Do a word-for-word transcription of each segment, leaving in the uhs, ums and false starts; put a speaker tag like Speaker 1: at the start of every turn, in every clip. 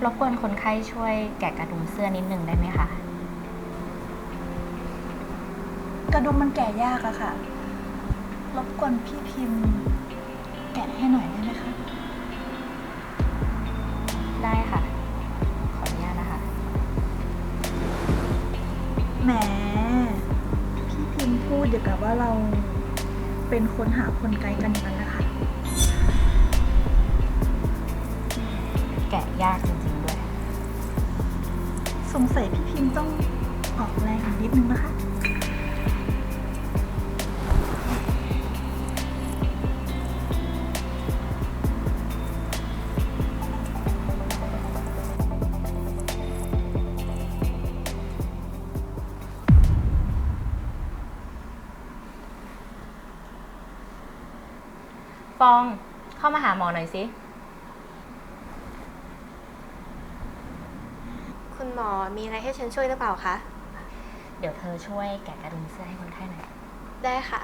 Speaker 1: รบกวนคนไข้ช่วยแกะกระดุมเสื้อนิดนึงได้ไหมคะ
Speaker 2: กระดุมมันแกะยากอะค่ะรบกวนพี่พิมพ์แกะให้หน่อยได้ไหมคะ
Speaker 1: ได้ค่ะขออนุญาตนะคะ
Speaker 2: แหมพี่พิมพ์พูดเดี๋ยวกับว่าเราเป็นคนหาคนไกลกันอย่างนั้นนะคะ
Speaker 1: แกะยากจริงๆด้วย
Speaker 2: สงสัยพี่พิมพ์ต้องออกแรงอีกนิดนึงนะคะ
Speaker 1: ฟองเข้ามาหาหมอหน่อยสิ
Speaker 3: คุณหมอมีอะไรให้ฉันช่วยหรือเปล่าคะ
Speaker 1: เดี๋ยวเธอช่วยแกะกระดุมเสื้อให้คนไข้หน่อย
Speaker 3: ได้ค่ะ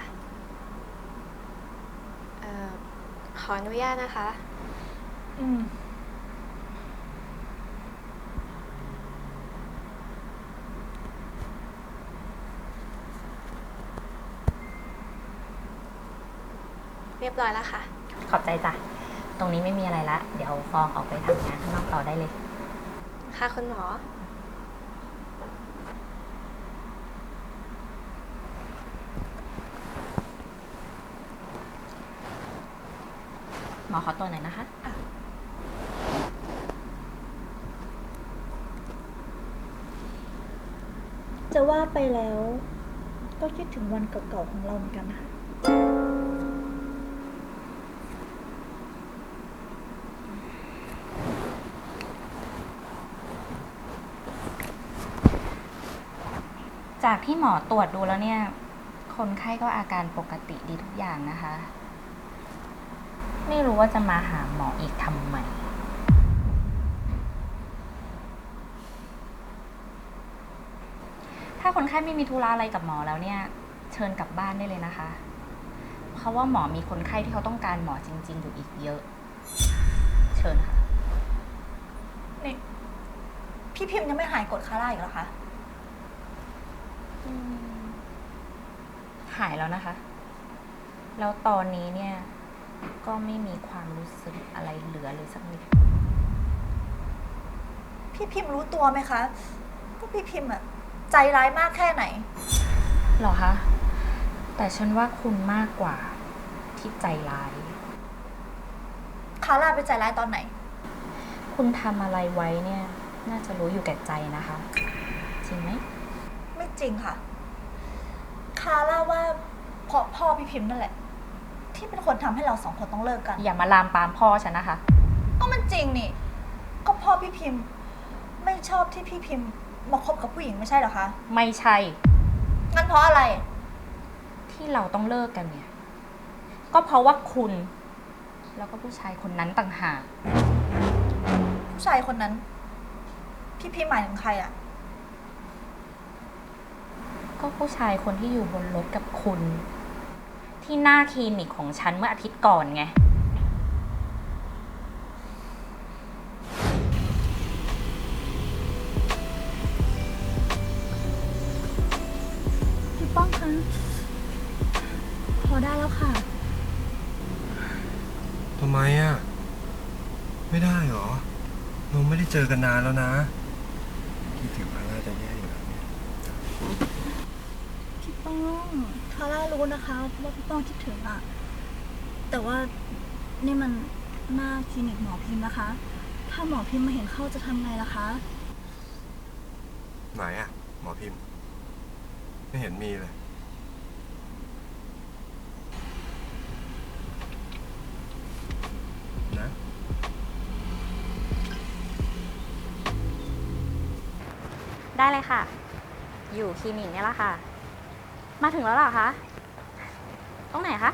Speaker 3: เอ่อขออนุญาตนะคะ
Speaker 2: อืม
Speaker 3: เรียบร้อยแล้วค่ะ
Speaker 1: ขอบใจจ้ะตรงนี้ไม่มีอะไรละเดี๋ยวฟองออกไปทำงานข้างนอกต่อได้เลย
Speaker 3: ค่ะคุณหมอ
Speaker 1: หมอขอตัวหน่อยนะคะ
Speaker 2: จะว่าไปแล้ว ก็คิดถึงวันเก่าๆของเราเหมือนกันนะคะ
Speaker 1: จากที่หมอตรวจดูแล้วเนี่ย คนไข้ก็อาการปกติดีทุกอย่างนะคะ ไม่รู้ว่าจะมาหาหมออีกทำไม ถ้าคนไข้ไม่มีธุระอะไรกับหมอแล้วเนี่ย เชิญกลับบ้านได้เลยนะคะ เพราะว่าหมอมีคนไข้ที่เขาต้องการหมอจริงๆอยู่อีกเยอะ เชิญค่ะ
Speaker 2: นี่พี่พิมพ์ยังไม่หายกดคาร่าอีกเหรอคะ
Speaker 1: หายแล้วนะคะ แล้วตอนนี้เนี่ย ก็ไม่มีความรู้สึกอะไรเหลือเลยสักนิด
Speaker 2: พี่พิมพ์รู้ตัวไหมคะว่าพี่พิมพ์อะใจร้ายมากแค่ไหน
Speaker 1: หรอคะ แต่ฉันว่าคุณมากกว่าที่ใจร้าย
Speaker 2: คาร่าไปใจร้ายตอนไหน
Speaker 1: คุณทำอะไรไว้เนี่ย น่าจะรู้อยู่แก่ใจนะคะ จริงไหม
Speaker 2: ไม่จริงค่ะคาร่าว่าเพราะพ่อพี่พิมพ์นั่นแหละ ที่เป็นคนทำให้เราสองคนต้องเลิกกัน
Speaker 1: อย่ามาลามปามพ่อฉันนะคะ
Speaker 2: ก็มันจริงนี่ก็พ่อพี่พิมพ์ไม่ชอบที่พี่พิมพ์มาคบกับผู้หญิงไม่ใช่เหรอคะ
Speaker 1: ไม่ใช่
Speaker 2: งั้นเพราะอะไร
Speaker 1: ที่เราต้องเลิกกันเนี่ย ก็เพราะว่าคุณ แล้วก็ผู้ชายคนนั้นต่างหาก
Speaker 2: ผู้ชายคนนั้น พี่พิมพ์หมายถึงใครอะ
Speaker 1: ก็ผู้ชายคนที่อยู่บนรถกับคุณ ที่หน้าคลินิกของฉันเมื่ออาทิตย์ก่อนไง
Speaker 2: พี่ป้องคะพอได้แล้วค่ะ
Speaker 4: ทำไมอ่ะ ไม่ได้หรอ เราไม่ได้เจอกันนานแล้วนะคิดถึงคาร่าจะแย่อยู่แล้วเนี่ย
Speaker 2: พี่ป้องคาร่ารู้นะคะว่าพี่ป้องคิดถึงอะแต่ว่านี่มันหน้าคลินิกหมอพิมพ์นะคะ ถ้าหมอพิมพ์มาเห็นเข้าจะทำไงล่ะคะ
Speaker 4: ไหนอ่ะ หมอพิมพ์ ไม่เห็นมีเลยนะ
Speaker 1: ได้เลยค่ะ อยู่คลินิกเนี่ยแหละค่ะ มาถึงแล้วเหรอคะ ตรงไหนคะ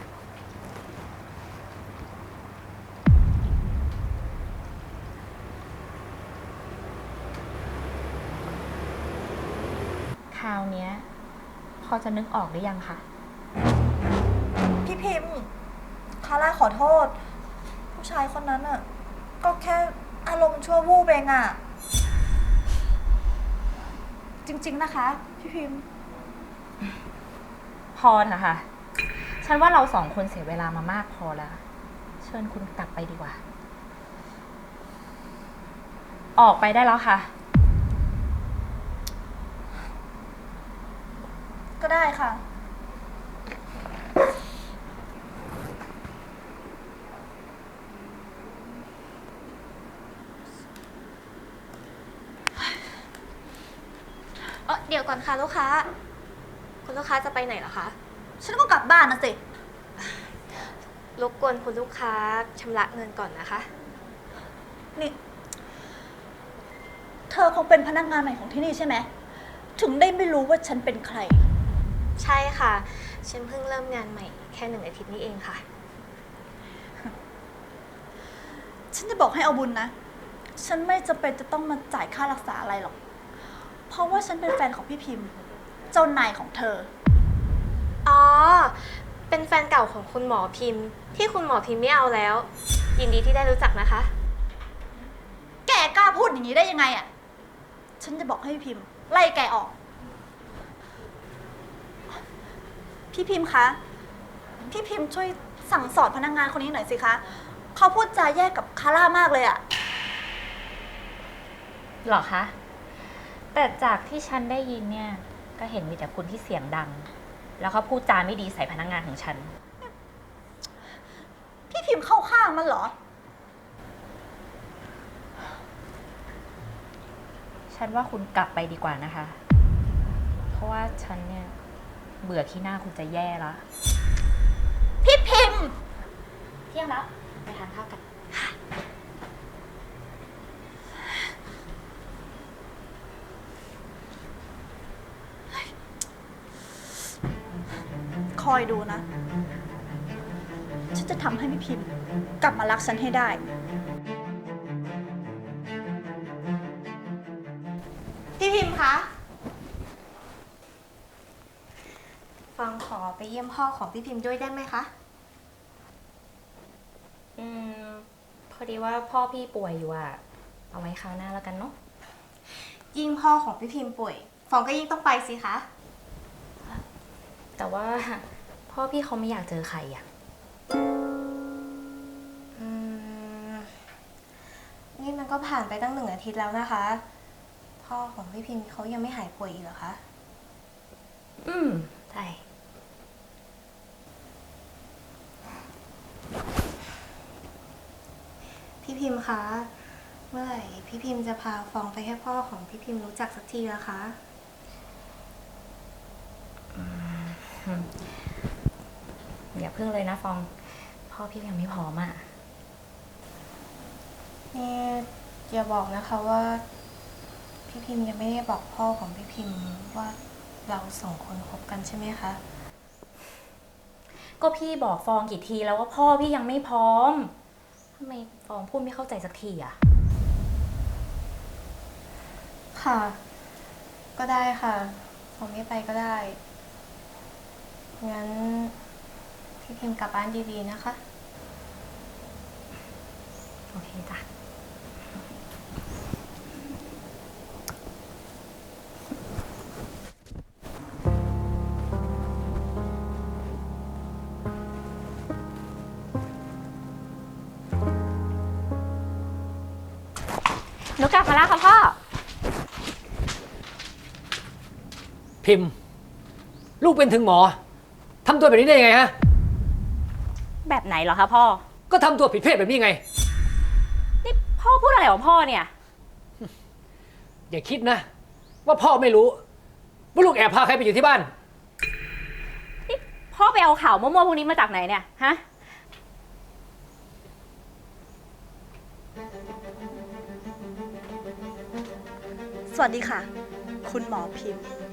Speaker 1: คราวเนี้ย พอจะนึกออกหรือยังคะ
Speaker 2: พี่พิมพ์คาร่าขอโทษ ผู้ชายคนนั้นอ่ะ ก็แค่อารมณ์ชั่ววูบเองอะจริงๆนะคะ พี่พิมพ์
Speaker 1: พอนะคะ ฉันว่าเราสองคนเสียเวลามามากพอแล้ว เชิญคุณกลับไปดีกว่า ออกไปได้แล้วค่ะ
Speaker 2: ก็ได้ค่ะ
Speaker 3: เออเดี๋ยวก่อนค่ะลูกค้า คุณลูกค้าจะไปไหนเหรอคะ
Speaker 2: ฉันก็กลับบ้านนะสิ
Speaker 3: รบกวนคุณลูกค้าชำระเงินก่อนนะคะ
Speaker 2: นี่ เธอคงเป็นพนักงานใหม่ของที่นี่ใช่ไหม ถึงได้ไม่รู้ว่าฉันเป็นใคร
Speaker 3: ใช่ค่ะ ฉันเพิ่งเริ่มงานใหม่แค่หนึ่งอาทิตย์นี้เองค่ะ
Speaker 2: ฉันจะบอกให้เอาบุญนะ ฉันไม่จำเป็นจะต้องมาจ่ายค่ารักษาอะไรหรอก เพราะว่าฉันเป็นแฟนของพี่พิมพ์ เจ้านายของเธอ
Speaker 3: อ๋อ เป็นแฟนเก่าของคุณหมอพิมพ์ ที่คุณหมอพิมพ์ไม่เอาแล้ว ยินดีที่ได้รู้จักนะคะ
Speaker 2: แกกล้าพูดอย่างนี้ได้ยังไงอะ ฉันจะบอกให้พี่พิมพ์ ไล่แกออก พี่พิมพ์คะ พี่พิมพ์ช่วยสั่งสอนพนักงานคนนี้หน่อยสิคะ เขาพูดจาแย่กับคาร่ามากเลยอะ
Speaker 1: หรอคะ แต่จากที่ฉันได้ยินเนี่ย ก็เห็นมีแต่คุณที่เสียงดัง แล้วเขาพูดจาไม่ดีใส่พนักงานของฉัน
Speaker 2: พี่พิมพ์เข้าข้างมันเหรอ
Speaker 1: ฉันว่าคุณกลับไปดีกว่านะคะ เพราะว่าฉันเนี่ยเบื่อที่หน้าคุณจะแย่แล้ว
Speaker 2: พี่พิมพ์
Speaker 1: เที่ยงแล้ว ไปทานข้าวกัน
Speaker 2: คอยดูนะ ฉันจะทำให้พี่พิมพ์กลับมารักฉันให้ได้ พี่พิมพ์คะ
Speaker 3: ฟังขอไปเยี่ยมพ่อของพี่พิมพ์ด้วยได้ไหมคะ
Speaker 1: อืม พอดีว่าพ่อพี่ป่วยอยู่อะเอาไว้คราวหน้าแล้วกันเนาะ
Speaker 3: ยิ่งพ่อของพี่พิมพ์ป่วย ฟองก็ยิ่งต้องไปสิคะ
Speaker 1: แต่ว่าพ่อพี่เขาไม่อยากเจอใครอะ
Speaker 3: อืม นี่มันก็ผ่านไปตั้งหนึ่งอาทิตย์แล้วนะคะ พ่อของพี่พิมพ์เขายังไม่หายป่วยอีกเหรอคะ
Speaker 1: อืม ใช่
Speaker 3: พี่พิมพ์คะ เมื่อไหร่พี่พิมพ์จะพาฟองไปให้พ่อของพี่พิมพ์รู้จักสักทีละคะ
Speaker 1: อย่าเพิ่งเลยนะฟอง พ่อพี่ยังไม่พร้อมอะ
Speaker 3: นี่อย่าบอกนะคะว่า พี่พิมพ์ยังไม่ได้บอกพ่อของพี่พิมพ์ว่าเราสองคนคบกันใช่ไหมคะ
Speaker 1: ก็พี่บอกฟองกี่ทีแล้วว่าพ่อพี่ยังไม่พร้อมทำไมฟองพูดไม่เข้าใจสักทีอะ
Speaker 3: ค่ะ ก็ได้ค่ะฟองไม่ไปก็ได้ งั้นพี่พิมพ์กลับบ้านดีๆนะคะ
Speaker 1: โอเคจ้ะ หนูกลับมาแล้วค่ะพ่อ
Speaker 5: พิมพ์ ลูกเป็นถึงหมอทำตัวแบบนี้ได้ยังไงฮะ
Speaker 1: แบบไหนเหรอคะพ่อ
Speaker 5: ก็ทำตัวผิดเพศแบบนี้ไง
Speaker 1: นี่พ่อพูดอะไรของพ่อเนี่ย
Speaker 5: อย่าคิดนะ ว่าพ่อไม่รู้ว่าลูกแอบพาใครไปอยู่ที่บ้าน
Speaker 1: นี่พ่อไปเอาข่าวมั่วๆพวกนี้มาจากไหนเนี่ย ฮะ
Speaker 2: สวัสดีค่ะ คุณหมอพิมพ์